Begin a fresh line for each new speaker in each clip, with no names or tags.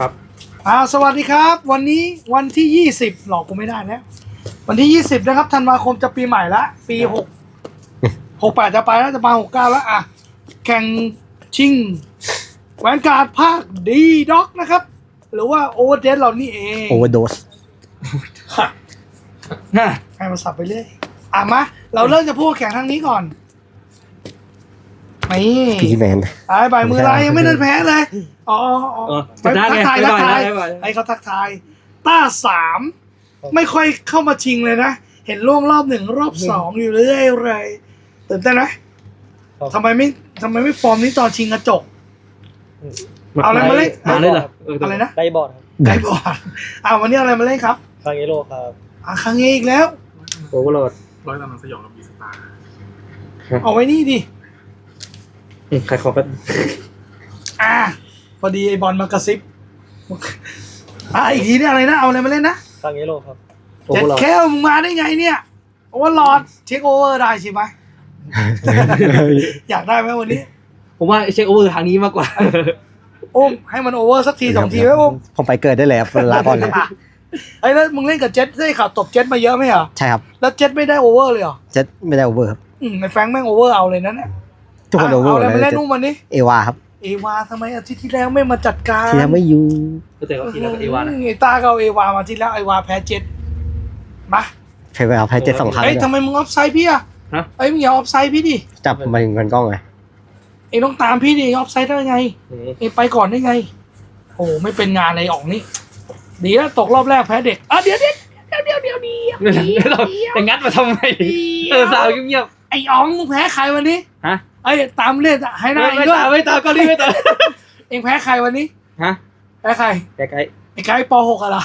ครับ
สวัสดีครับวันนี้วันที่20หลอกกูไม่ได้แล้ววันที่20นะครับธันวาคมจะปีใหม่ละปี68จะไปแล้วจะมา69แล้วแข่งชิงแหวนการ์ดภาคดีด็อกนะครับหรือว่าโอเวอร์เดสเรานี่เอง
โอเวอร์โดส
ให้มาสับไปเรื่อยมาเราเริ่มจะพูดแข่งทางนี้ก่อนนี่
พี่แมน
ใบมือลายยังไม่เดินแพ้เลยทักทายให้เขาทักทายต้า3ไม่ค่อยเข้ามาชิงเลยนะเห็นล่วงรอบ1รอบ2อยู่เรื่อยเลยตื่นเต้นไหมทำไมไม่ฟอร์มนี้ตอนชิงกระจกเอาอะไรมาเล่น
เลยเหรอ
อะไรนะ
ไดบอร์ดครับ
ไดบอร์ดวันนี้อะไรมาเล่นครับ
คางเอโร่ครับ
ครั้งนี้อีกแล้ว
โอเวอร์โหลด
ร้อยตำนานสยองกับบีสตาร์
เอาไว้นี่ดิ
ใครขอแป๊บ
พอดีไอบอลมากระซิบอีกทีนี่อะไรนะเอาอะไรมาเล่นนะ
คางเอโร่ครับ
โอเว
เจ็
อ
ด
ร์โหลด
แค่มึงมาได้ไงเนี่ยโอเวอร์ลอดเช็คโอเวอร์ได้ใช่ไหม อยากได้ไหมวันนี้
ผมว่าเช็คโอเวอร์ทางนี้มากกว่า
ให้มันโอเวอร์สักที2 ทีไหม
ผมไปเกิดได้เลยครับลาก่อนเลย
แล้วมึงเล่นกับเจ็ตได้ข่าวตบเจ็ตมาเยอะไหมเหรอ
ใช่ครับ
แล้วเจ็ตไม่ได้โอเวอร์เลยเหรอ
เจ็ดไม่ได้โอเวอร์ครับ
ในแฟรงค์แม่งโอเวอร์เอาเลยนะเนี่ย
ทุกคนโอเวอร์
อะไร
เลย
มาเล่นนุ่มวันนี้
เอวาครับ
เอวาทำไมอาทิตย์ที่แล้วไม่มาจัดการ
ที่ยังไม่อยู่
แต่ก็ทีแล้วก็เอวานะ
ไอ้ตาก็เอาเอวามาที่แล้วไอวาแพ้เจ็ตมา
เพย์ไปเอาให้เจ็ด2 ครั้ง
ทำไมมึงออฟไซด์พี่อะมึงอย่าออฟไซด์พี่ดิ
จับมาถึงกันกล้องไง
ต้องตามพี่ดิออฟไซด์ได้ไงไปก่อนได้ไงโอ้ไม่เป็นงานเลยออกนี่ดีแล้วตกรอบแรกแพ้เด็กเดี๋ยว
แต่งัดมาทำไมสาวเงียบ
ไอ้อ๋องมึงแพ้ใครวันนี้
ฮะ
ตามเล่นให้ได้
ไม่ตามก็รีบไม่ตาม
เองแพ้ใครวันนี้
ฮะ
แพ้ใคร
ไกล
ไอ้ไก่ป .6 อะล่ะ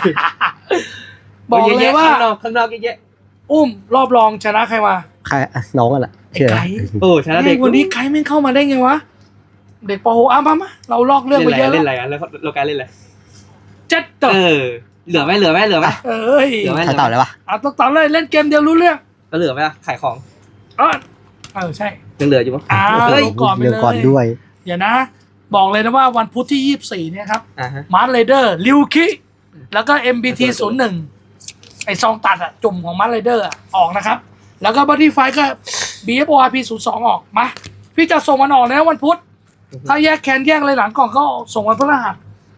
บอกเลยว่า
ข้างนอกเยอะ
รอบรองชนะใครมา
ใครน้องกันแหละ
ไอ้
เชื่อ
ไก่
โอ้ชนะเด็ก
วันนี้ไก่แม่งเข้ามาได้ไงวะเด็กป .6 มาเราลอกเรื่องไปเยอะ
เล่น
แล้ว
อะไรแล้วเราการเล่นอะไร
เจ็ดต่อ
เหลือไหมเหลือไหม
ใครตอบเลยวะ
ต้องตอบเลยเล่นเกมเดียวรู้เรื่อง
ก็เหลือไหมขายของ
ใช่
ยังเหลืออยู่มั้ง
ก่อนไป
เรื่อง
เลย
ก่อนด้วย
เดี๋ยวนะ บอกเลยนะว่าวันพุธที่24เนี่ยครับ
ฮะ
มาร์ทเรเดอร์ลิวคิแล้วก็ MBT 01ไอซองตัดจุ่มของมาร์ทเรเดอร์ออกนะครับ แล้วก็บัตตี้ไฟก็ BFORP 02ออกมาพี่จะส่งมันออกนะวันพุธถ้าแยกแคนแยกอะไรหลังกล่องก็ส่งวันพฤหัส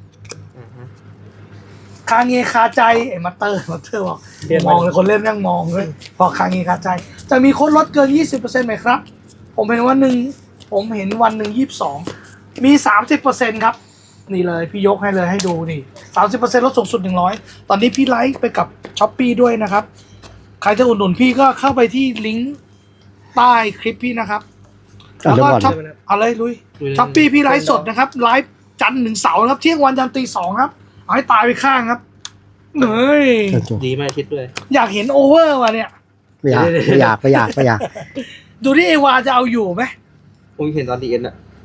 คาเงคาใจไอ้มาเตอร์บอกมองเลยคนเล่นยังมองเลยบอกคาเงคาใจ จะมีโค้ดลดเกิน 20% ไหมครับ ผมเห็นวันหนึ่ง22มี 30% ครับ นี่เลยพี่ยกให้เลยให้ดูนี่ 30% ลดสูงสุด100ตอนนี้พี่ไลฟ์ไปกับ Shopee ด้วยนะครับ ใครจะอุดหนุนพี่ก็เข้าไปที่ลิงก์ใต้คลิปพี่นะครับ แล้วก็ช็อปอะไรลุย Shopee พี่ไลฟ์สดนะครับไลฟ์จันทร์ถึงเสาร์ครับเที่ยงวันยันตี 2ครับเอาให้ตายไปข้างครับเฮ้ย
ดีมากคิดด้วย
อยากเห็นโอเวอร์ว่ะเนี่ย
ไม่อยาก
ดูที่เอวาจะเอาอยู่ไหม
ผมเห็นตอนดีเอ็นอะ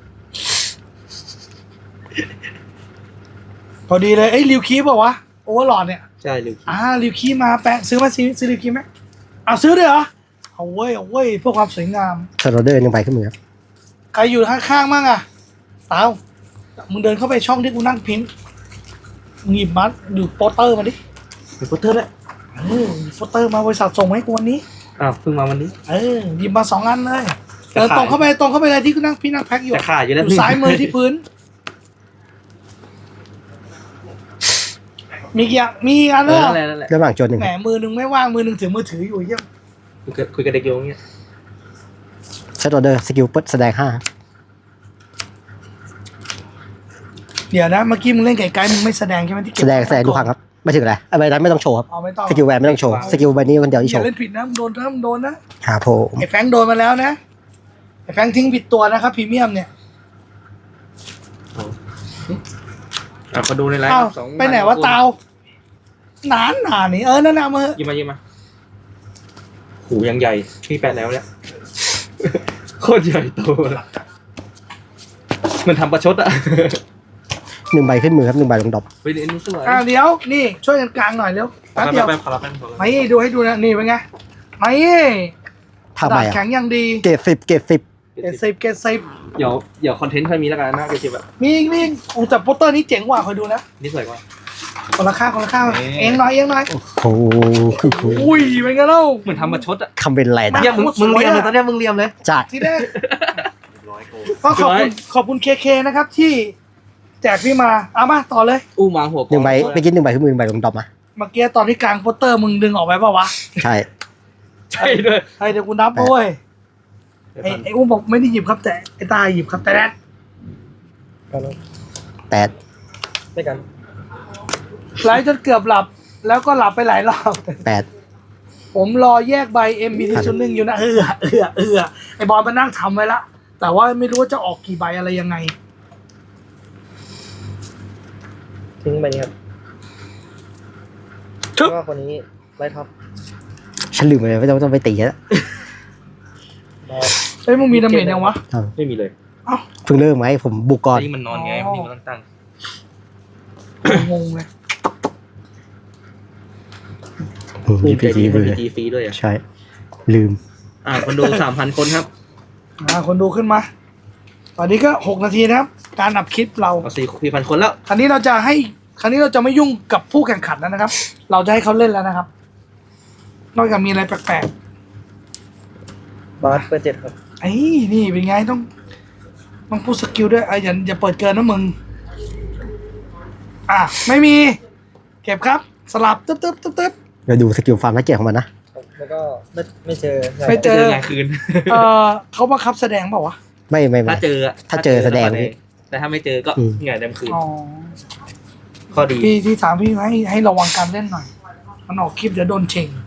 พอดีเลยลิวคีบอกว่าโอเวอร์หลอดเนี่ย
ใช่ลิว
ลิวคีมาแปะซื้อมาซื้อลิวคีไหมซื้อด้วยเหรอเอาเว้ยเพื่อความสวยงาม
สโรเดอร์ยังไปขึ้นมือครับ
ใครอยู่ข้างๆมั่งเต้ามึงเดินเข้าไปช่องที่กูนั่งพิมพ์มึงหยิบมาดูโปสเตอร์มาดิ
เป็นโปสเตอร์ด้วย
โปสเตอร์มาบริษัทส่งมาให้กูวันนี้
เพิ่งมาวันนี้
หยิบมา2 อันเลยเดินตรงเข้าไปเลยที่กูนั่งพี่นั่งแพ็คอยู่
จะขาดอยู่แล้ว
ซ้ายมือที่พื้นมีกี่มีอันเลย
นั่นแหละ
เรื่องหลังโจนหนึ่ง
แหมมือหนึ่งไม่ว่างมือหนึ่งถือมือถืออยู่เยี่ยม
คุยกับเด็กโยงเงี้ย
สโรเดอร์สกิลเปิดแสดง5
เดี๋ยวนะเมื่อกี้มึงเล่นไก่มึงไม่แสดงใช่ไหมที่เก็บ
แสดงทุกครั้งครับไม่ถึงอะไรใบนั้นไม่ต้องโชว์ครับ
ไม่ต้อง
สกิลแวนไม่ต้องโชว์สกิลใบนี้คนเดียวที่
อ
โช
ย่า
ว์
เล่นผิดนะมึงโดนนะ
ครับผม
ไอ้แฟงโดนมาแล้วนะไอ้แฟงทิ้งผิดตัวนะครับพรีเมียมเนี่ย
มาดูในไลฟ์
ไปไหนวะเตาหนานี่นั่นมา
ยิ้มมาหูยังใหญ่พี่แปะแล้วเนี่ยโคตรใหญ่โตเลยมันทำประชดอะ
1 ใบขึ้นมือครับ1 ใบลงดรอป
ไปเรียนนี่สวย
เดี๋ยวนี่ช่วยกันกลางหน่อยเร็วแป๊บเดียว
ขอรับแป๊บ
ไม่ดูให้ดูนะนี่เป็นไงไม่
ภาพ
ดา
ใบ
บแข็งอย่างดี
เกรด10
เกรด10เกรด10
เดี๋ยวคอนเทนต์ค่อยมีแล้วกันนะเกจิแบบ
มีอีกโอ้แต่โปสเตอร์นี้เจ๋งกว่าคอยดูนะ
นี่สวยกว่า
คนละข้างเองหน่อย
โอ้โหคือ
อุ้ยเป็นไงเล่า
เหมือนทำมาชดอ่ะ
คำเป็นไรนะ
เนี่ยมึงเรียมเลยตอนเนี้ยมึงเรียมเลย
จาก
ที่แรกก็ขอบคุณเคนะครับ ที่แจกพี่มาเอามาต่อเลย
อู้มาหัว
หนึ่งใบไปกิน1 ใบขึ้นมือ1 ใบลงดรอปมา
เมื่อกี้ตอนที่กลางโปสเตอร์มึงดึงออกไปเปล่าวะ
ใช่
ใช่ด้วย
เดี๋ยวกูนับด้วยไอ้อุ้มบอกไม่ได้หยิบครับแต่ไอ้ตาหยิบครับแต่แรก
แต่
ไม่กัน
ไลฟ์จนเกือบหลับ แล้วก็หลับไปหลายรอบ
8
ผมรอแยกใบ MBT ชุดหนึ่งอยู่นะไอ้บอลมานั่งทำไว้ละแต่ว่าไม่รู้ว่าจะออกกี่ใบอะไรยังไง
ทิ้งไปนี้ครับ
ชึบ
แล้วก็คนนี้ไล่ท็อป
ฉันลืมไปเลยไม่ต้องไปตีแล้ว
เฮ้ยมึงมีดาเมจยังวะ
ไม่มีเลย
เอ้า
เพิ่งเริ่มไงผมบุกก่อน
นี่มันนอนไงนี่มันตั้ง
งงเลย
อืม
ภูมิใจ
GPG
ดี
เลย
PG ฟรีด้วยอ่ะ
ใช่ ลืม
คนดู 3,000 คนครับ
คนดูขึ้นมา ตอนนี้ก็6 นาทีนะครับ การอับคลิปเรา
เอา4,000 คนแล้ว
คราวนี้เราจะไม่ยุ่งกับผู้แข่งขันแล้วนะครับ เราจะให้เขาเล่นแล้วนะครับ นอกจากมีอะไรแปลก
บาสเปิด7ครับ
ๆไอ้นี่เป็นไงต้องพูดสกิลด้วยอย่าเปิดเกินนะมึง ไม่มี เก็บครับ สลับตึ๊บ
เราดูสกิลฟาร์มและเกียรของมันนะ
แล้วก็ไม่เจอ
ไม่เจอ
งานคืน
เขาบังคับแสดงเปล่าวะ
ไม่
ถ้าเจอ
ถ้าเจอแสดง
แต่ถ้าไม่เจอก็
อืม
งานเต็มคืน
อ๋อ
ข้อดี
ที่ถามพี่ให้ระวังการเล่นหน่อย มันออกคลิปเดี๋ยวโดนเชง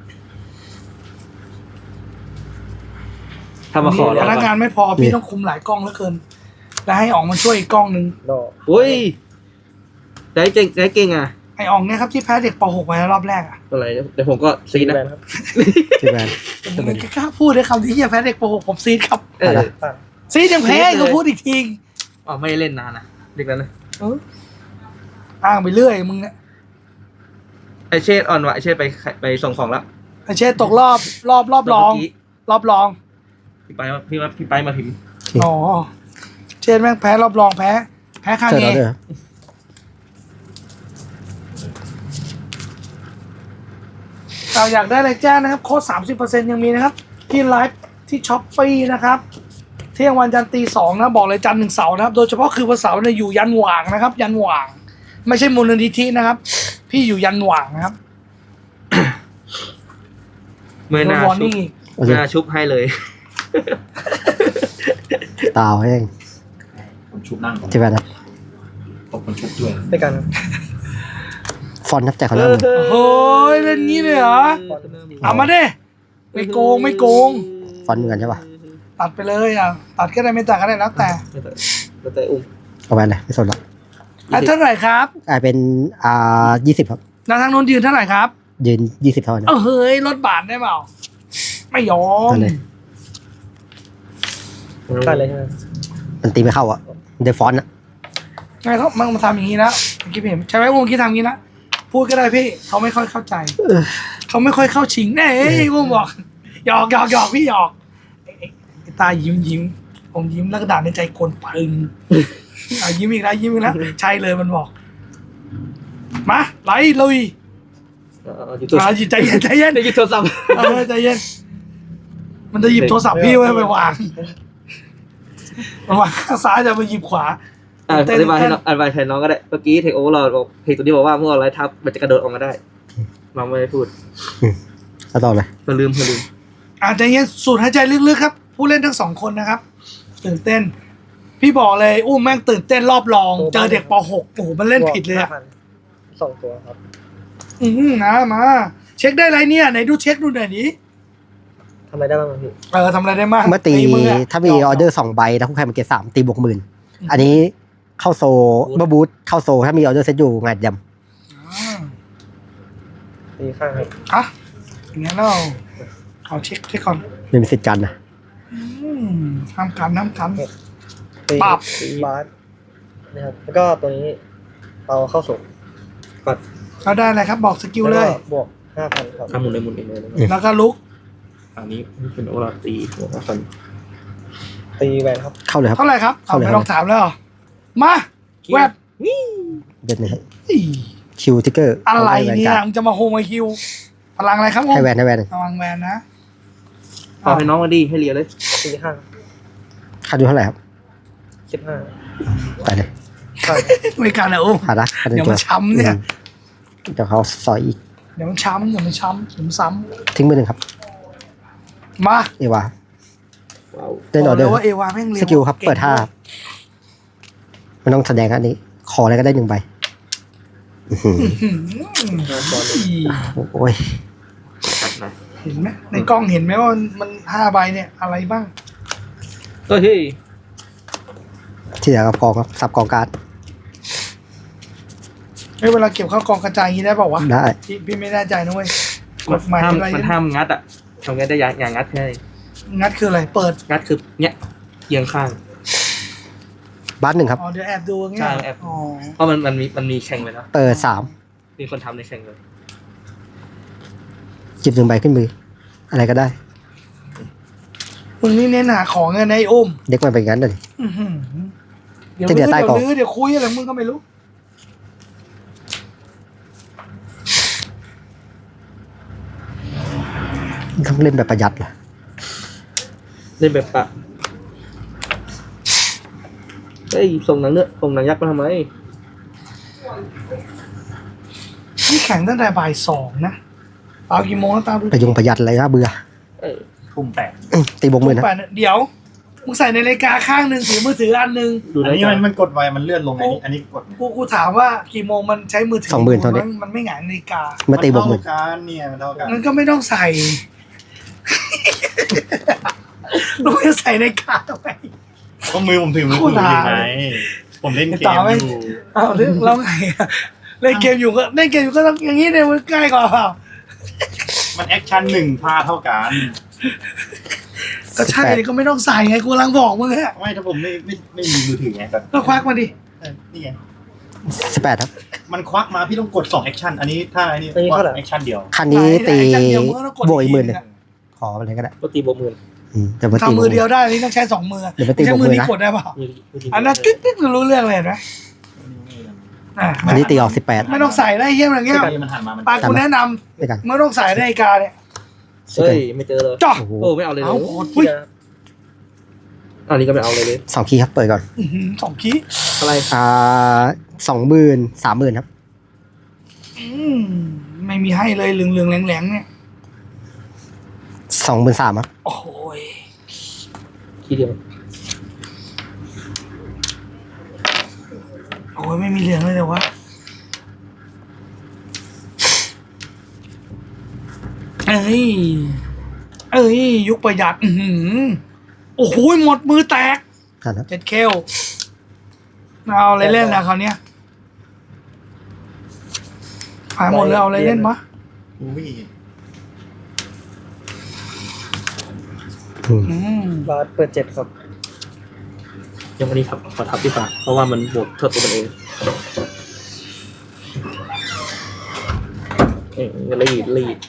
ถ้ามาขอ
พ
เรา
นักงานไม่พอพี่ต้องคุมหลายกล้องเหลือเกิน แล้วให้ออกมาช่วยอีกกล้องหนึ่ง
ดอก
อุ้ยได้เก่งอ่ะ
ไออองเนี่ยครับที่แพ้เด็กป .6 ไปรอบแรกอ่ะ
อะไรเดี๋ยวผมก็ซีนะ
แบนครับ
ใช่ไหม
ผมไม่กล้าพูดเลยคำที่เฮียแพ้เด็กป .6 ผมซีดครับ
อะไร
ผ่าน
ซีดยังแพ้ก็พูดอีกที
อ๋อไม่เล่นนานนะเด็กนั้นนะ
อ้างไปเรื่อยมึงเนี่ย
ไอเชษอ่อนวะไอเชษไปส่งของแล้ว
ไอเช่ตกรอบรองรอบรอง
พี่ไปมาพิมพ์
อ๋อเช่แม่งแพ้รอบรองแพ้ข้าง
เจอ
เอ
แล้วเด้อ
เราอยากได้อะไรแจ้งนะครับโค้ด30%ยังมีนะครับ ที่ไลฟ์ที่ช้อปปี้นะครับ เที่ยงวันจันทร์ตี 2นะบอกเลยจันทร์ถึงเสาร์นะครับ โดยเฉพาะคือวันเสาร์เนี่ยอยู่ยันหว่างนะครับ ยันหว่าง ไม่ใช่มูลนิธินะครับ พี่อยู่ยันหว่างนะครับ
เมื่อหน้า
วอร์
ชุบ
นิ่งอีก
หน้าชุบให้เลย
ตาวแห้ง
คนชุบนั่ง
ใช่ไหมนะ
ตบคนชุบด้วย
ไม่กันครับ
ฟอนต์นับใจเขาแล้วมึง
โอ้ยเล่นงี้เลยเหรอเอามาดิไม่โกง
ฟอนต์เหมือนกันใช่ป่ะ
ตัดไปเลยตัดก็ได้ไม่ตัดก็ได้แล้วแต่
แล้วแต่อุ้ม
เอาไปเลยไม่สนหรอก
เท่าไหร่ครับ
กลายเป็น20 ครับ
แล้วทางโน้นยืนเท่าไหร่ครับ
ยืน20 เท่านั้น
เฮ้ยลดบาทได้เปล่าไม่ยอม
นั่นเลย
ผ่านเลยใช่ไหม
มันตีไม่เข้าอ่ะเดฟฟอนต์อ่ะ
ไงเขามันมาทำอย่างนี้แล้วเมื่อกี้พี่เห็นใช่ไหมวงกี้ทำอย่างนี้นะพูดก็ได้พี่เขาไม่ค่อยเข้าใจเขาไม่ค่อยเข้าชิงแน่วงบอกหยอกพี่หยอกไอ้ตายิ้มผมยิ้มแล้วก็ด่าในใจโกนปึงยิ้มอีกแล้วใช่เลยมันบอกมาไล่ลุย
หยุดตัว
ใจเย็น
ได้หยุดโทรศัพท์
ใจเย็นมันจะหยิบโทรศัพท์พี่ไว้ไปวางข้างซ้ายจะมาหยิบขวา
อธิบายให้น้องอธิบายแทนน้องก็ได้เมื่อกี้เทคโอเวอร์เราบอกเพจตัวนี้บอกว่าเมื่อเราไลท์ทับมันจะกระโดดออกมาได้น้องไม่ได้พูด
แล้วต่อเลย
เราลืม
ใจเย็นสูดหายใจลึกๆครับ ผู้เล่นทั้ง2 คนนะครับ ตื่นเต้น พี่บอกเลยอุ้มแม่งตื่นเต้นรอบรอง เจอเด็กป .6 โอ้โหมันเล่นผิดเลยอะ
2 ตัวครับ
มาเช็คได้ไรเนี่ยไหนดูเช็คดูหน่อยดิ
ทำอะไรได้บ้างครับพี่
ทำอะไรได้บ้าง
เมื่อตี
มือะ
ถ้ามีออเดอร์2 ใบแล้วคู่แข่งมันเกรด3ตีบวก10,000อันนี้เข้าโซเมื่อบูทเข้าโซถ้ามีออเดอร์เซตอยู่งานย
ตีข้างครับ
อย่างงี้เราเอาเช็คก่อน
ำไม่มีสิทธิ์กันนะ
ห้ามกัน
ตี
ปั๊บ
ตีบาสนะครับแล้วก็ตัวนี้เอาเข้าส่ง
เราได้อะไรครับบอกสกิลเลย
แวก็บวก 5,000 ครับ
หมุนเลย
แล้วก็ลุก
อันนี้เป็นโอลาตีหัวกัน
ตีแวนครับ
เข้าเลยครับ
เท่าไหร่ครับเอาไม่ต้องถามแล้วเหรอมาแวบ
เด็ดนะครับ
อี๋
คิวทิกเกอร์
อะไรเนี่ยมึงจะมาโฮมาคิวพลังอะไรครับผม
ให้แวนให้แวน
พลังแวนนะ
พอให้น้องมาดีให้เลียเลย
ตีห้า
ค่าดูเท่าไหร่ครับ
15
ไปเลย
ข้าง
ไม่การนะโอ้
ขาดนะขาด
เดี๋ยว
ตัว
มันช้ำเนี่ย
เดี๋ยวเขาซอยอีก
เดี๋ยวมันช้ำเดี๋ยวมันช้ำเดี๋ยวมันซ้
ทิ้งมือหนึ่งครับ
ำมา
เอวา
ว้าว
เล่นออเดอร์
บกลยว่าเอวาแม่งเร็ว
สกิลครับ
ก่ง
เปิดท่าครับมันต้องแสดงอันนี้ ขออะไรก็ได้1 ใบอื้อหือ
อี๋
โอ้ย
จัดหน่อย
เห็นไหมในกล้องเห็นไหมว่ามัน5 ใบเนี่ยอะไรบ้าง
เฮ้ย
ที่เหลือกับกองครับสับกองการ์ด
เวลาเก็บเข้ากองกระจายอย่างนี้ได้เปล่าวะ
ได้
พี่ไม่แน่ใจนะเว้ยกฎหมาย
ห้าม
อะไร
มันห้ามงัดอ่ะทำไงได้อย่างงัดแค่
งัดคืออะไรเปิด
งัดคือเนี้ยเอียงข้าง
บ้านหนึ่งครับ
อ๋อเดี๋ยวแอบดูอย่างเงี้ย
ใช่แอบ
อ๋อ
เพราะมันมีแข่งเลยนะ
เปิด
มีคนทำในแข่งเลย
3จิบ1 ใบขึ้นมือ อะไรก็ได้
มึงนี่เน้นหาของเงินไอ้อุ้ม
เด็กมันเป็นอย่างนั้นเลย
อื้อหือเดี๋ยว
จะเดี๋ยวใต้กล่อง
ลื้อเดี๋ยวคุยอะไรมึงก็ไม่รู้
ต้องเล่นแบบประหยัดเหรอ
เล่นแบบปะเฮ้ยส่งหนังเนื้อส่งหนังยักษ์มาทำไม
นี่แข่งตั้งแต่บ่าย 2นะเอากี่โมงแล้วตามดู
ประหยัดอะไรนะเบื่อ
เออ
ทุ่มแปด
ตีบวกมือนะ
เดี๋ยวมึงใส่ในนาฬิกาข้างหนึ่งถือมือถืออันหนึ่ง
ดู
อัน
ได้
นี้
จ้ะ
มันกดไวมันเลื่อนลงอันนี้กด
กูถามว่ากี่โมงมันใช้มือถือ
20,000เท่านี้
มันไม่หงายนาฬิกา
มาตีบวกมือ
เท่ากันเนี่ยมันเท่ากัน
มันก็ไม่ต้องใส่ ลูกจะใส่ในกาทำไม
ก็มือผมถือมือ
โค
ถื
ตร
อ
หา
ยังไงผมเล่นเก
ต่อ
ม
ไหม
อยู่
อ้าวแล้วไงอะเล่นเกมอยู่ก็ต้องอย่างนี้เนี่ยมันใกล้กว่าเปล่า
มันแอคชั่น1 ท่าเท่ากัน
ก็ใช่ดิก็ไม่ต้องใส่ไงกูกำลังบอกมึงอะ
ไม่ถ้าผมไม่มีมือถือไงแบบ
ก็ควักมาดิ
นี่ไง
18ครับ
มันควักมาพี่ต้องกด2แอคชั่นอันนี้ถ้าอันนี้แอคชั่นเดียว
คันนี้ตี
ไหนๆเดี๋ยวมึงก็ต้องกด
บวกอีก
อีก
10,000
ทีนึงอะ
ขอไปเลยก็ได้
ก็ตีบวกหมื่น
แต่มาตี
ทำมือเดียว
บวก
ได้นี่ต้องใช้2 มือ
เดี๋ยวไปตี
ใช้
บวก
มื
มื
อ
อ
นี้
นะ
กดได้เปล่า
มือ
อันนั้นกิ๊กรู้เรื่องเลยเห็นไหมอ่ะ
อันนี้ตีออก18
ไม่ต้องใส่ได้เฮี้ยอย่างเงี้ย
มันหันมามัน
ปากูแนะน
ด้วยกัน
ำไม่ต้องใส่นาฬิกาเนี่ย
เฮ้ยไม่เจอเลย
จ้ะ
โอ้โห
โอ้ไม่เอาเลยเล
เอา
ย
โหอุ้ย
อันนี้ก็ไม่เอาเลย
2 คีย์ครับเปิดก่อน
2 คี
อะไร
20,000 30,000ครับ
ไม่มีให้เลยเหลืองๆแหลงๆเนี่ย
23,000ครับ
โอ้ย
ทีเดียว
โอ้ยไม่มีเหลืองเลยเดี๋ยววะเอ้ยยุคประหยัดโอ้โหหมดมือแตก
ครับ
เจ็ดเคลเอาอะไรเล่นนะคราวเนี้ยหายหมดเลยเอาอะไรเล่นมะ
อุ้ย
บาสเปิด7ครับ
ยังวันนี้ครับขอทับดีกว่าเพราะว่ามันบวกเท่าตัวมันเองรีด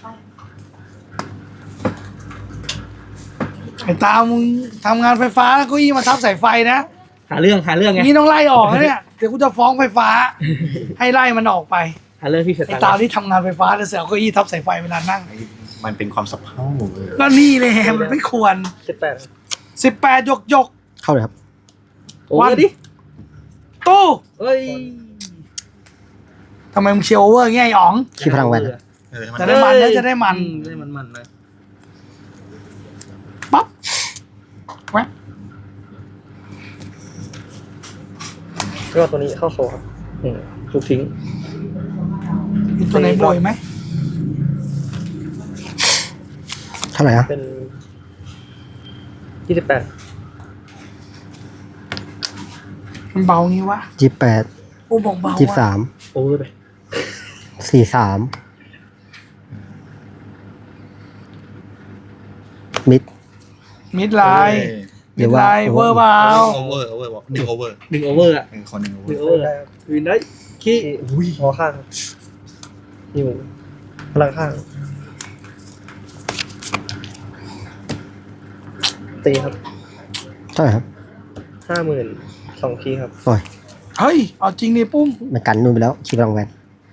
ไอ้ตามึงทำงานไฟฟ้าแล้วก็ยี่มาทับสายไฟนะ
หาเรื่องไง
นี่ต้องไล่ออกนะเนี่ยเดี๋ยวกูจะฟ้องไฟฟ้า ให้ไล่มันออกไป
หาเรื่องพี่เสร็จ
ไอ้ตาที่ทำงานไฟฟ้าแล้วเสียก็ยี่ทับสายไฟเวลานั่ง
มันเป็นความสับเพร่าเลย
ก็นี่เลยมันไม่ควร
18
18ยก
เข้าเลยครับ
โอ้ยดิ
ตู้
เฮ้ย
ทำไมมึงเชียร์โอเวอร์เงี้ยไอ้อ๋อง
คีย์พลังแวนครับ
จะได้มันนะจะได้มัน
ได้มันนะ
ปั๊บแว๊บ
ก็ตัวนี้เข้าโซครับ
ทุกทิ้ง
มีตัวไหนโบยไหม
เท่าไหร่นะ
เป็น 28
มันเบางี้วะ
28
อู้บอกเบาว่ะ
23
โอ้ยไป
43 มิด
มิดไลน์
หรื
มิ
อ
ด
ว่า
ไลน์เวอร์เบา
โอเวอร์บอกดึงโอเวอร์
ดึงโอเวอร์อ่ะ
คนหนึ่งโอเว
ดึ
อง ร์
โอเวอร์
ได้ครับ
วินได้ขี้
อุ้ย
หัวข้างครับอยู่พลังข้าง ตีครับ
เท่าเท่าไหร่ครับ
52,000 คีย์ครับ
โอ้ย
เฮ้ยเอาจริงดิปุ้ม
มันกันนู่นไปแล้วคีบพลังแวน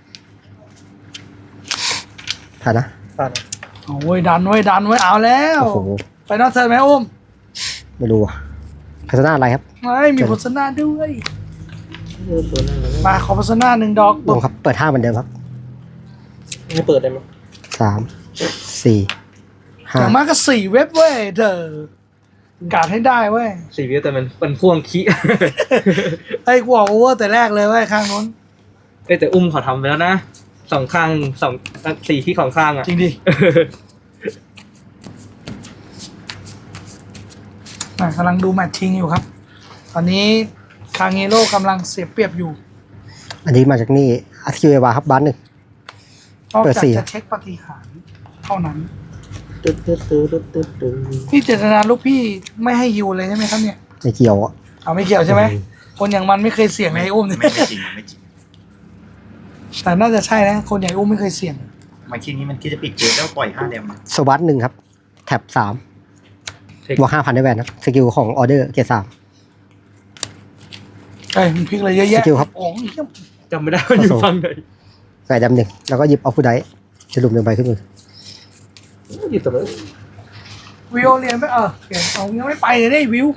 ผ่านนะ
ผ่าน
โอ้ยดันไว้ดันไว้เอาแล้ว
โอ้โห
ไปนอกเธอไหมอุ้ม
ไม่รู้พัฒนาอะไรครับ
ไม่มีโฆษณาด้วย
ตัวหน้า
มาขอโฆษณา1 ดอก
ลงครับ เปิด5เหมือนเดิมครับ
ไม่เปิดได้ไหม
3 4
อย่างมากก็4 เว็บเว้ยเธอการให้ได้เว้ย
4 วิวแต่มันพ่วงขี้
ไอ้กูบอกโอเวอร์แต่แรกเลยเว้ยข้างนู้น
เอ้ยแต่อุ้มเขาทำไปแล้วนะ2 ข้าง4 ที่ของข้างอ่ะ
จริงดิกำลังดูแมตช์ชิงอยู่ครับ ตอนนี้คางเงโร่กำลังเสียเปรียบอยู่
อันนี้มาจากนี่อาร์คิวเอวาครับบ้านหนึ่ง
นอก
เปิด
จาก
สี่
จะเช็คปฏิหารย์เท่านั้น
ตึ๊ดตึ๊ดตึ๊ดตึ๊ดตึ๊ดตึ๊ด
พี่เจตนาลูกพี่ไม่ให้ฮิวเลยใช่ไหมครับเนี่ย
ในเกี่ยวอ่ะ
เอาไม่เกี่ยวใช่ไหมคนอย่างมันไม่เคยเสี่ยงในไอ้อุ้มเนี่ย
ไม่จริงไม่จริง
แต่น่าจะใช่นะคนอย่างไอ้อุ้มไม่เคยเสี่ยง
มันคิดนี้มันคิดจะปิดเกมแล้วปล่อย5 เดม
สวัสด1ครับ แท็บ3บวก 5,000ได้แวนครับสกิลของออเดอร์เกียร์3
เอ้ยมันพลิกเลยเยอะแยะ
สกิลครับ
โอ้ย
จำไม่ได้ว่าอยู่ฝั่งไหน
ใส่ดำหนึ่งแล้วก็หยิบออฟฟูไดจะลุม1ใบขึ้นมือ
อยู่ตรงนั้น
วิวเรียนไปเรียนเอายังไม่ไปเลยได้วิว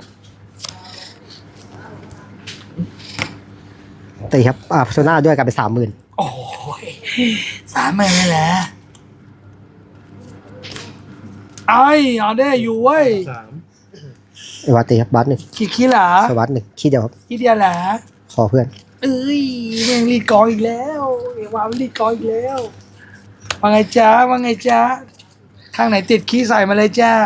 ตีครับโซน่าด้วยกันเป็น30,000
โอ้ย30,000เลยแหละไอ้เอาได้อยู่เว้ย
เอวาตีครับบัสหนึ่ง
ขี้เหรอ
สวัสด1ขี้เดียวครับ
ขี้เดียวเหรอ
ขอเพื่อน
เอ้ยแม่งรีดกองอีกแล้วเอวารีดกองอีกแล้วว่าไงจ๊ะว่าไงจ๊ะข้างไหนติดขี้ใส่มาเลยจ้า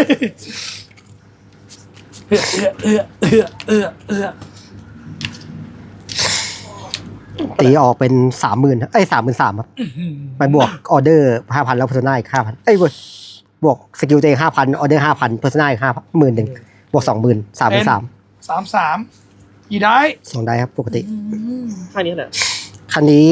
ตีออกเป็น30,000เอ้ย33,000ครับไปบวกออเดอร์5,000แล้วเพอร์ซนาอีก5,000เอ้ยเว้ยบวกสกิลตัวเอง5,000ออเดอร์5,000เพอร์ซนาอีก10,000บวก 20,000 33,000
33กี่ได้
2ได้ครับปกติ
ข้างนี้แหละ
คันนี้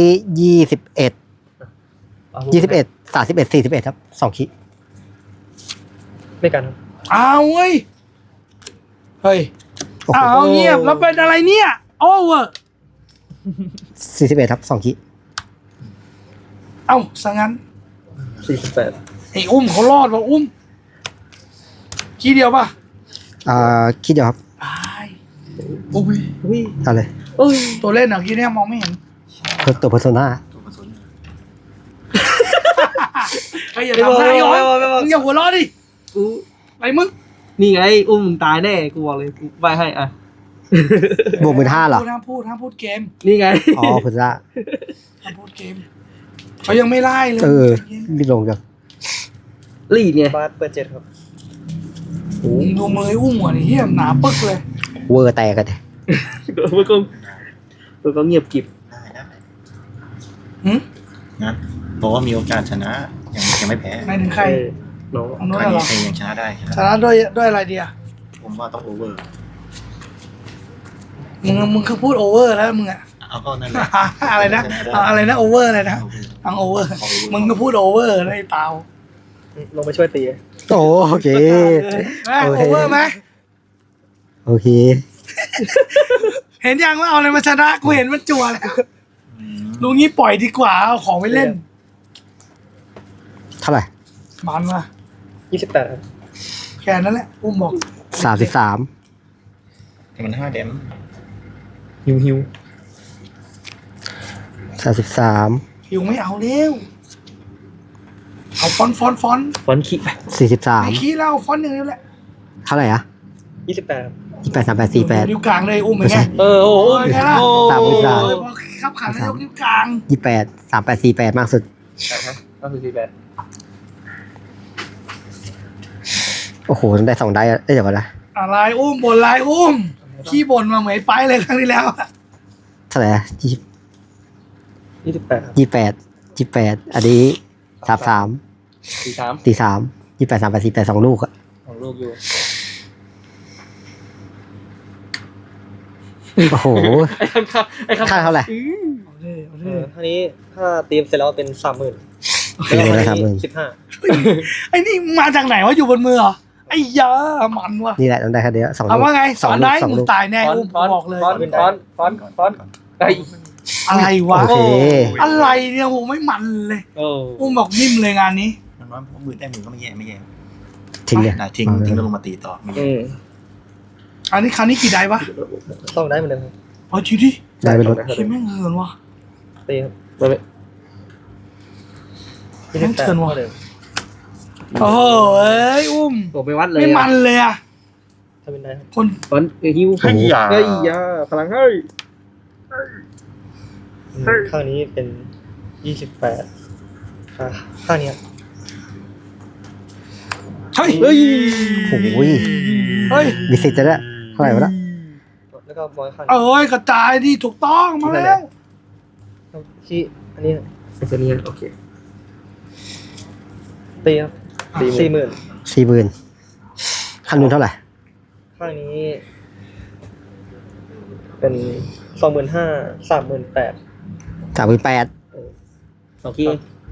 21 31 41ครับ2คิ
ไม่กันครับ
เอาเว้ยเฮ้ย
โอ้โห
เอาเงียบแล้วเป็นอะไรเนี่ยโอ้เวอร์
41ครับ2คิ
เอ้าสังั้น
48
ไอ้อุ้มเขารอดว่ะอุ้มขี้เดียวป่ะ
คิดเดียวครับ
ตายโอ้ย
อุ้ย
เอาเลย
อุ้ย
ตัวเล่นอ่ะกี้เนี่ยมองไม่เห็น
ตัวเพอร์ซนา
ตัวผสม
ไอ้อย่าทำได้หรอมึงอย่าหัวเราะดิ
กู
ไอ้มึง
นี่ไงอุ้มมึงตายแน่กูบอกเลยกูใบให้อ่ะ
บวก15,000เหรอ
ห้ามพูดเกม
นี่ไง
อ๋อเพอร์ซนา
ห้ามพูดเกมเขายังไม่ไล่เลย
รีบลงจัง
รีดไง
บาสเปิด7ครับ
มึงดูมือไอ้อุ้มหัวนี่เฮี้ยหนาปึ๊กเลย
เวอร์แตกกันเลย
ตัวก็เงียบกิบ
ได้
หืม
นะบอกว่ามีโอกาสชนะยังไม่แพ้
หมายถึงใคร
น้อง
อันนู้น
ครั้ง
เหร
นี้
อ
ใครยังชนะได้ชนะ
ชนะด้วยอะไรเดีย
ผมว่าต้องโอเวอร์
มึงคือพูดโอเวอร์แล้วมึงอะ
เอาก็นั่นแหละ
อะไรนะอะไรนะโอเวอร์อะไรนะทางโอเวอร์มึงก็พูดโอเวอร์นะไอ้เปล่า
ลงไปช่วยตี
โอเค
แม่โอเวอร์ไหม
โอเค
เห็นยังว่าเอาอะไรมาชนะกูเห็นมันจั่วแล้วลุงนี้ปล่อยดีกว่าเอาของไปเล่น
เท่าไหร่
มันมา
28ครับ
แค่นั้นแหละอุ้มบอก
33
มัน5 เดม
หิว
33
หิวไม่เอาเร็วเอาฟอนต์
ฟอนขี้ไป
ไม่ขี้แล้วเอาฟอนต์อย่างนี้แหละ
เท่าไหร่อะ
28ครับ
28 38 48
นิ้วกลางเลยอุ้มเหมือนไง
โอ้โห
ไงล่ะ
ตามเวลา
พอขับขันแล้วยกนิ้วกลาง
28 38 48 มากสุด
ก็คือ48
โอ้โหได้2ได้อะเดี๋ยวก่อนนะ
อะไรอุ้มบ่นอะไรอุ้มขี้บ่นมาเหมือนไปเลยครั้งที่แล้ว
เท่าไหร่อะ
28ครับ
28 อันนี้ 33
43
28 38 48 2 ลูกอะ
ของลูกอยู่
โอ้โห
ไอ้ข้างไอ้ข้าง
ค่าเท่าไหร่
เอาดิ
ท่านี้ถ้าตีมเสร็จแล้วเป็น 30,000
ตีเลยนะ
แล้ว
30,000
15
ไอ้นี่มาจากไหนวะอยู่บนมือเหรอไอ้ยามันว่ะ
นี่แหละต้องได้แค่เดียว2
เอา
ลูก
ว่าไงสอนได้
สอง
มึง
ลูก
ตายแน่
ฟอน
อุ้ม
ฟอน
บอกเลย
ฟอนฟอนฟอนฟอนไอ้
อะไรวะ
โอเค
อะไรเนี่ยโหไม่มันเลย
โอ้
อุ้มบอกนิ่มเลยงานนี้
มันว่าหมื่นได้หมื่นก็ไม่แย่ไม่แย่
ทิ้งเลย
นะทิ้งแล้วลงมาตีต่อไม่แย่
อันนี้ครั้งนี้กี่ได้วะ
ต้องได้เหมือนเดิมครับ
เอาจริงดิ
ได้ไปลด
คิดแม่งเหินว่ะ
ตีครับ
ไม่ไม่
แม่งเถื่อนว่ะ
เท่าเดิม
โอ้โหเอ้ยอุ้ม
ผมไปวัดเลย
ไม่มันเลยอะ
ถ้าเป็นได้ครับ
คน
ฟอนฮิว
เฮ้ยอย่า
เฮ้ยยาพลังเฮ้ย
ข้างนี้เป็น28ข้างนี้ครับ
เฮ้ย
เฮ้ย
โอ้ย
เฮ้ย
มีสิทธิ์จะได้เท่าไหร่วะละ
แล้วก็บอยข้าง
เอ้ยกระจายดิถูกต้องมาแล้ว
ขี้อันนี้
ไอ้ตัวนี้โอเค
ตีครับ40,000
40,000ขั้นนู้นเท่าไหร่
ข้างนี้ เป็น25,000 38,000
38,000
สองคีย์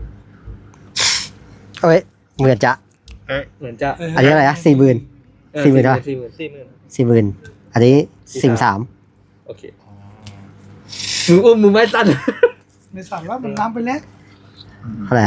เอ้ยเหมือนจะ
เหมือนจะ
อันนี้อะไรนะ40,000 40,000เท่าไหร่
40,000
40,000อันนี้43,000
โอเคมืออุ้มมือไม้สั้น
ในสามแล้วมันน้ำไปแล้ว
เท่าไหร่อะ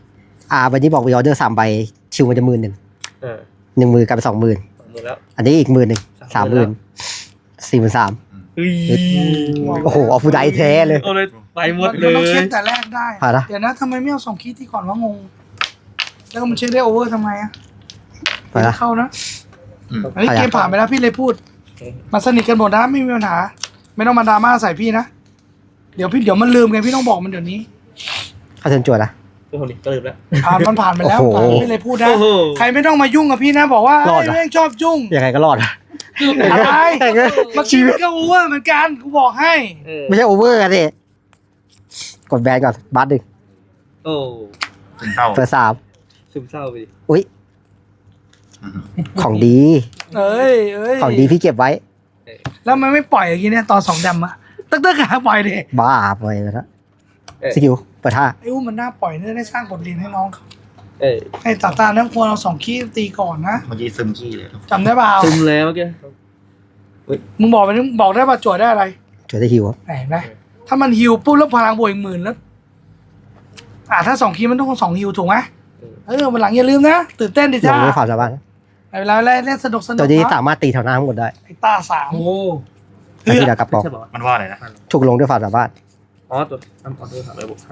8
วันนี้บอกมีออเดอร์3 ใบชิวมันจะ10,000
อ่า
1 มือกลายเป็น20,000
มือแล้ว
อันนี้อีก10,000 30,000 43,000
เฮ้ย
โอ้โหเอาฟูไดแท้เลย
เอาเลยไปหมดเล
มันต้องเช็
ย
คแต่แรกได้
ผ่านละ
เดี๋ยวนะทำไมไม่เอา2คีย์ที่ก่อนวะงง แล้วก็มันเช็คได้โอเวอร์ทำไมอะ
ไปละ
เข้านะ
อืม
อันนี้เกมผ่านไปแล้วพี่เลยพูดมาสนิทกันหมดนะไม่มีปัญหา ไม่ต้องมาดราม่าใส่พี่นะ เดี๋ยวมันลืมไงพี่ต้องบอกมันเดี๋ยวนี้
เขาเชิญจวดละ
ตัวคนนี้ก็ลืมแล้ว
ผ่านไปแล้ว
โอ้โห
ผ่านพี่เลยพูดนะ
โอ้โห
ใครไม่ต้องมายุ่งกับพี่นะ บอกว่าร
อดเหรอ
แม่งชอบยุ่ง
ยังไงก็รอดอะ
อะไร
แต่งเลย
มาชีวิตก็โอเวอร์เหมือนกันกูบอกให้
ไม่ใช่โอเวอร์กันดิกดแบนก่อนบัสดึง
โอ้
ถึงเท่า
เปิด3
ซึมเศร้าไปดิ
อุ้ย
อืม
ของดี
เอ้ย
ของดีพี่เก็บไว้
แล้วมันไม่ปล่อยอย่างงี้เนี่ยตอน2 ดำอะตึ๊กหาปล่อยดิ
บ้าไปแล้วนะสกิลเปิดท่า
ไอ้อุ้มมันน่าปล่อยเนี่ยได้สร้างบทเรียนให้น้องเขา
เอ้ย
ให้ตาตาเนี่ยควรเอา2คีย์ตีก่อนนะ
เมื่อกี้ซึมขี้เลย
จำได้เปล่า
ซึมแล้วเมื่อกี้
มึงบอกไปมึงบอกได้ป่ะจวดได้อะไร
จวดได้ฮิวอะ
เห็นไหมถ้ามันฮิวปุ๊บแล้วพลังบวกอีก10,000แล้วถ้า2คีย์มันต้อง2ฮิวถูกไหมวันหลังอย่าลืมนะตื่นเต้นดิ
ล
จ้าง
ด้วยความสามารถ
เวลาเล่นสนุก
ตัวนี้
นะ
สามารถตีแถวหน้าทั้งหมดได้
ไอ้ตา3
แต่ที่ดากระป๋อง
ใช่ป่าวะ
มันว่าอะไรนะ
ถูกลงด้วยความสามารถ
อ๋อตัวทำออเดอร์300บวก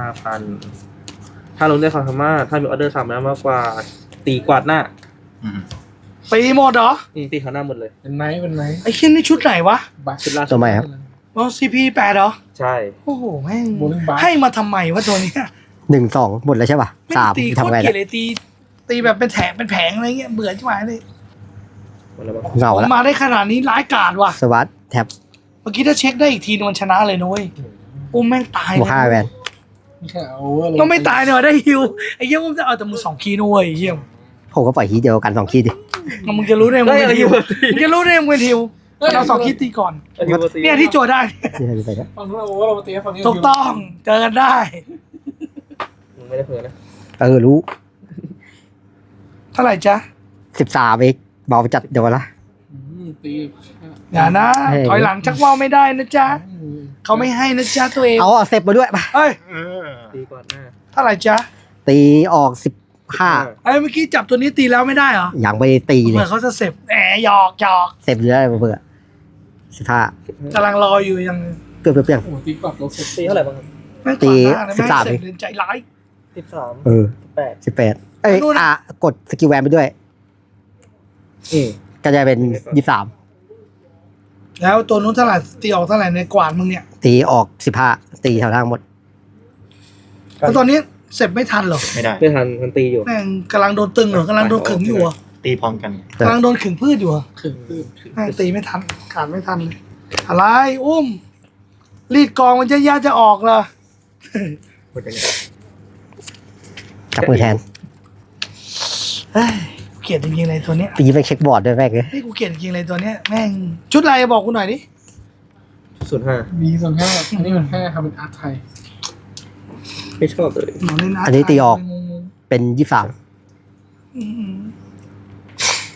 5,000ถ้าลงได้ความสามารถถ้ามีออเดอร์300มากกว่าตีกวาดหน้า
อืม
ตีหมดเหรอ
ตีเขาหน้าหมดเลย
เป็นไหมเป็นไหม
ไอ้ชิ้นนี่ชุดไหนวะ
ชุดล่าสุ
ตั
ด
วใหม่ครับ
อ๋อ CP8 เหรอ
ใช่
โอ้โหแม่ง
โบลิ่งบาร์
ให้มาทำไมวะตัวเนี้ย
1 2หมดแล้วใช่ป่ะ
แม่ง
3
ตีโค
ทำ
ตร
ไง
เกลีย
ล่ะ
ดเลยตีแบบเป็นแถบเป็นแผงอะไรเงี้ยเบื่อชิบหายเลย
หมดแล้วมั้ง
เหงาละ
มาได้ขนาดนี้ร้ายกาจว่ะ
สวัสดแท็บ
เมื่อกี้ถ้าเช็คได้อีกทีนึงมันชนะเลยนุ้ยอุ้มแม่งตาย
บวก5แวน
ไม่ใช่โอเวอร์
ก็ไม่ตายเนี่ยว่ะได้ฮิวไอ้เหี้ยอุ้มจะเอาแต่มือ2 คีย์นุ้ยเหี้ย
ผมก็ปล่อยฮีทเดียวกัน2 คีย์ดิ
มึงจะรู้ได้มึง
ได้
เป็น
อะไรอ
ฮิ
ยู่
วมึงจะรู้ได้มึงเป็นฮิวมันเอา2 คีย์ตีก่อนเนี่ยที่โจทย์ได้
นี่ให้ดูไปนะ
ฝั่งนู้นโอเวอร์เรามาตีฝั่งนี้
ถูกต้องเจอกันได้
มึงไม่ได้เผลอนะ
รู้
เท่าไหร่จ๊ะ
13เองเบาไปจัดเดี๋ยวละ
ตี
อย่านะ
เฮ้ย
ถอยหลังชักว่าวไม่ได้นะจ๊ะเขาไม่ให้นะจ๊ะตัวเอง
เอาเซฟมาด้วยไป
เอ้ย
ตีกวาดหน้า
เท่าไหร่จ๊ะ
ตีออก15
ไอ้เมื่อกี้จับตัวนี้ตีแล้วไม่ได้เหรอ
อย่างไปตีเล
เหมือย นเขาจะเสพแหมหยอก
เซฟเยอะเลยเบื่อ15
กำลังรออยู่ยัง
เปรี้ยง
โอ้ตีกลับลบสุด
ตีเท่าไหร่บ้างครับ
แม่ง
ตี
ขวางหน้าเลยแม่ง
13
เสพเล่นใจร้าย
13
เออ
8
18เอ้ย
นู่นน่ะ
กดสกิลแวนไปด้วย
อืม
ก็จะเป็น23
แล้วตัวนู้นเท่าไหร่ตีออกเท่าไหร่ในกวาดมึงเนี่ย
ตีออก15ตีแถวทางหมด
แล้วตอนนี้เสพไม่ทันเหรอ
ไม่ได้
ไม่ทันมันตีอยู่
แม่งกำลังโดนตึงเหรอกำลังโดนขึงอยู่เหรอ
ตีพร้อมกัน
กำลังโดนขึงพืชอยู่เหรอ
ขึ้นขึ้น
แม่งตีไม่ทันขาดไม่ทันเลยอะไรอุ้มรีดกองมันจะยาจะออกเหรอ
หมดยังไง
จับมือแทน
เฮ้ยกูเกลียดจริงๆเลยตัวเนี้ย
ปีไปเช็คบอร์ดด้วยแม่งเลย
นี่กูเกลียดจริงๆเลยตัวเนี้ยแม่งชุดอะไรบอกกูหน่อยดิ
05
มีส่วนห้าอันนี้มัน5ครับเป็นอาร์ตไทย
ไม่ชอบเลย
หนูเล่น
อันนี้ตีออก
งง
เป็น
ๆอืม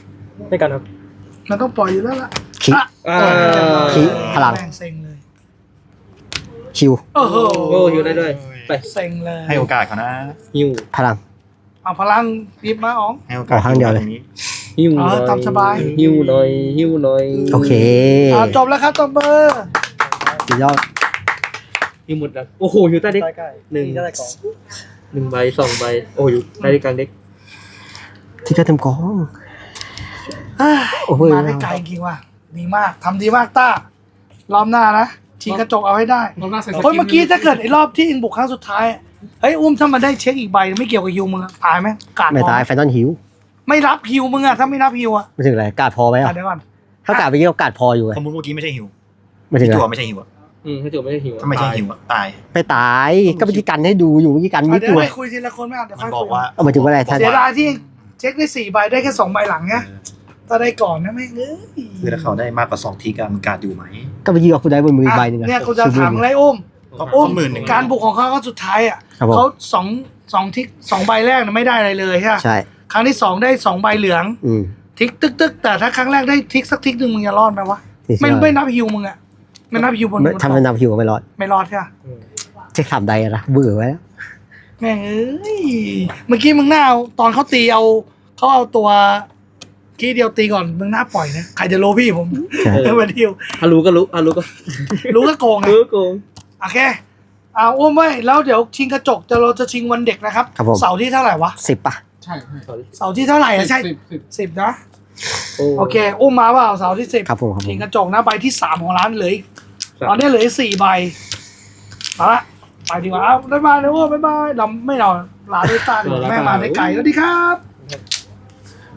ไม่กันครับ
มันต้องปล่อยอยู่แล้วล่ะ
คิ
อ่ะ
คิพลัง
แม่งเซ็งเลย
คิว
โอ้โห
โอ้ฮิวได้ด้วยไป
เซ็งเลย
ให้โอกาสเขานะ
ฮิว
พลัง
เอาพลังหยิบมาอ๋อง
ให้โอกาส
ขอข้างเดียวเลย
ตรงนี้
ฮิวหน่อย
ตามสบาย
ฮิวหน่อยฮิวหน่อย
โอเค
จบแล้วครับจบเบอร์
สุดยอด
ฮิวหมดแล้วโอ้โหฮิวใต้เด็ก
ใกล้
หนึ่ง
ๆได้ของ
1 ใบ 2 ใบโอ้ยใต้เด็กกลางเด็ก
ที่กระเทมกอง โอ้โห
มาได้ไกลจริงว่ะดีมากทำดีมากต้ารอบหน้านะชิงกระจกเอาให้ได้
รอบหน้าใส่ส
เฮ้ยเมื่อกี้ถ้าเกิดไอ้รอบที่อิงบุกครั้งสุดท้ายเฮ้ยอุ้มถ้ามันได้เช็คอีกใบไม่เกี่ยวกับฮิวมึงอะตายไหมกาด
ไม่
พอ
ตายไฟนอลฮิว
ไม่รับฮิวมึงอะถ้าไม่รับฮิวอะ
ไม่ถึงอะไรกาดพอไหม
อ่ะ
อ่ะ
เดี๋ยวก่อน
ถ้ากาดไปเกี่ยวกาดพออยู่ไง
สมมติเมื่อกี้ไม่ใช่ฮิว
ไม่ถึงอะไร
ตัวไม่ใช่ฮิวอะ
ถ้าจบไม่ได้ฮิว
ถ้าไม่ใช่ฮิวอะตาย
ไปตายก็เมื่อกี้กันให้ดูอยู่เมื่อกี้กัน
อ่ะ
นิด
เดี๋ยว
ตัว
ได้คุยทีละคนไม่เอาเดี๋ยว
มั
ค่อน ย
บอ
คุ
ก
ย
ว่า
เอามาถึงว่าอะไรท่าน
เสียดายที่เช็คได้4 ใบได้แค่2 ใบหลังเนี่ยถ้าได้ก่อนนะแม่งเอ้ย
คือถ้าเขาได้มากกว่า2 ทีกมันการดอยู่ไหม
ก็เมื่อกี้เอาคุณได้บนมืออีกใบหนึงอะ
เนี่ยกูจะถาม
ชูมือ
อะไรอุ้ม
ก็
อุ้ม
10,000
การบุกของเขาครั้งสุดท้ายอ่ะ
ครับผม
เขา2ทิก2 ใบแรกน่ะไม่ได้อะไรเลยใช่ไหม
ใช่
ครั้งที่ 2ได้2 ใบเหลือง
อืม
ทิกตึกแต่ถ้าครั้งแรกได้ทิกสักทิกหนึ่งมึงจะรอดไหมวะ ไม่นับฮิวมึงอะไม่นับฮิวบน
ไม่ทำเป็นนำฮิวก็ไม่รอด
ไม่รอดใช่ไหม
เช็คสามใดอะนะเบื่อไว้แล้ว
แม่งเอ้ยเมื่อกี้มึงหน้าเอาตอนเขาตีเขาเอาตัวกี้เดียวตีก่อนมึงหน้าปล่อยนะใครจะรู้พี่ผม
ใช่
เออวันฮิว
ฮารู้ก็รู้ฮารู้ก็
รู้ก็โกงไง
รู้โกง
โอเคเอาอุ้มไว้แล้วเดี๋ยวชิงกระจกเราจะชิงวันเด็กนะครับ
ครับผม
เสาร์ที่เท่าไหร่วะ
10 ป่ะ
ใช่ใช่
เสาร์ที่เท่าไหร่อะใช่
สิบ
10นะโอเค อุ้มมาเปล่าเสาร์ที่10
ครับผมครับผ
ชิง
ม
กระจกนะใบที่3ของร้านเหลืออีกตอนนี้เหลืออีก4 ใบมาละไปดีกว่าเอาบ๊ายบายนะเว้ยบ๊ายบายเราไม่เราลาด้วยตาเดี๋ยวแม่มาได้ไกลสวัสดีครับ